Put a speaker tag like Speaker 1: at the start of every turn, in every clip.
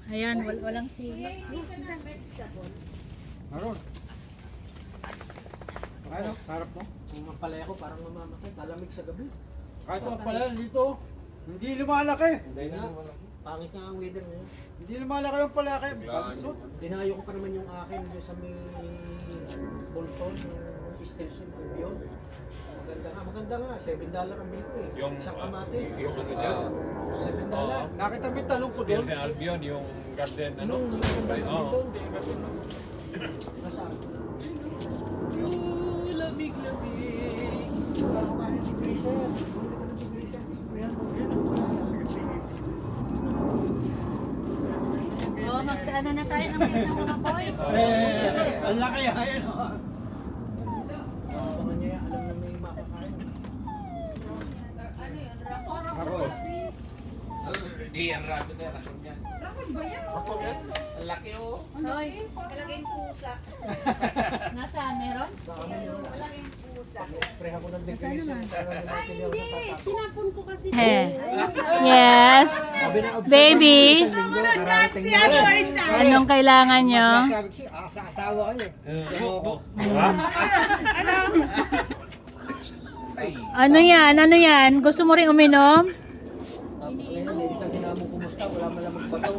Speaker 1: Ayan, walang sila.
Speaker 2: Meron. Ano? Sarap mo?
Speaker 3: Kung mapalaya ko parang mamamatay, kalamig sa gabi.
Speaker 2: Kahit ang pala dito, hindi lumalaki.
Speaker 3: Hindi nga, pangit nga ang weather ngayon.
Speaker 2: Hindi lumalaki yung palaki.
Speaker 3: Dinayo ko pa naman yung akin dyan sa may Bolton, yung station, Albion. Maganda nga, $7 ang bill ko eh.
Speaker 4: Yung
Speaker 3: Isang kamatis.
Speaker 4: yung ano dyan.
Speaker 3: $7.
Speaker 2: Nakita mo yung talong ko
Speaker 4: Still
Speaker 2: doon?
Speaker 4: sa Albion, yung garden, ano?
Speaker 3: Oo. Nasaan?
Speaker 1: Lamig-lamig.
Speaker 3: Parang kumain ng freezer. Bumili ka ng freezer, isprayan mo.
Speaker 1: Oh, magkaano na tayo ng ng mga boys?
Speaker 2: Ang laki ayan o.
Speaker 3: Mga niya, alam na may makakain.
Speaker 2: Ako.
Speaker 4: Hindi, ang rabbit na rakon yan. Rakon ba yan? Rakon yan? Ang laki oh.
Speaker 1: Hoy,
Speaker 5: Malaking pusa.
Speaker 1: nasaan? Meron?
Speaker 3: Sa amin yung
Speaker 5: Malaking pusa.
Speaker 3: isprayan ko ng freezer.
Speaker 5: Hindi, tinapon ko kasi.
Speaker 1: Yes. Baby.
Speaker 5: Si ano ay
Speaker 1: Anong kailangan nyo?
Speaker 2: Sabi ko sa asawa ko eh.
Speaker 1: Ano yan? Ano yan? Gusto mo rin uminom?
Speaker 3: Tapos ngayon, may isang hinamong kumusta, wala man lang magbato.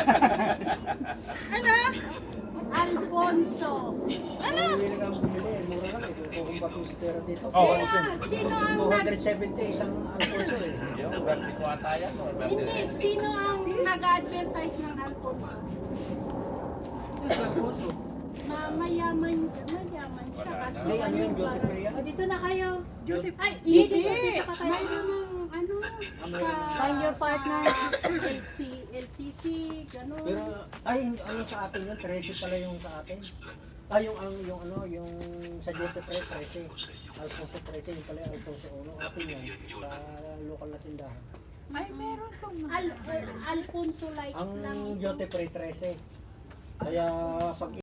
Speaker 5: Alfonso.
Speaker 3: Bumili ka bumili, mura lang eh. Kung bato sa pera dito.
Speaker 5: Sino ang
Speaker 3: 270 isang Alfonso eh.
Speaker 4: Yung vertigo ata yan.
Speaker 5: hindi, sino ang nag-advertise ng Alfonso?
Speaker 3: Isang Alfonso.
Speaker 5: Mayaman siya kasi.
Speaker 3: Hindi, ano yun, Joseph Ria?
Speaker 1: O, dito na kayo.
Speaker 5: Ay,
Speaker 1: Dito,
Speaker 5: hindi.
Speaker 1: dito pa kayo.
Speaker 5: Mayroon ng ano,
Speaker 1: Find your partner.
Speaker 5: LCC, gano'n.
Speaker 3: Pero, ay, ano sa atin yun, 13 pala yung sa atin. Ay, yung ano, yung sa Joseph Ria, 13. Alfonso 13, yung pala yung Alfonso 1. Atin yun, sa local na tindahan.
Speaker 5: Ay, meron tong Alfonso like
Speaker 3: Ang
Speaker 5: lang ito.
Speaker 3: Joseph Ria, 13. Kaya, pag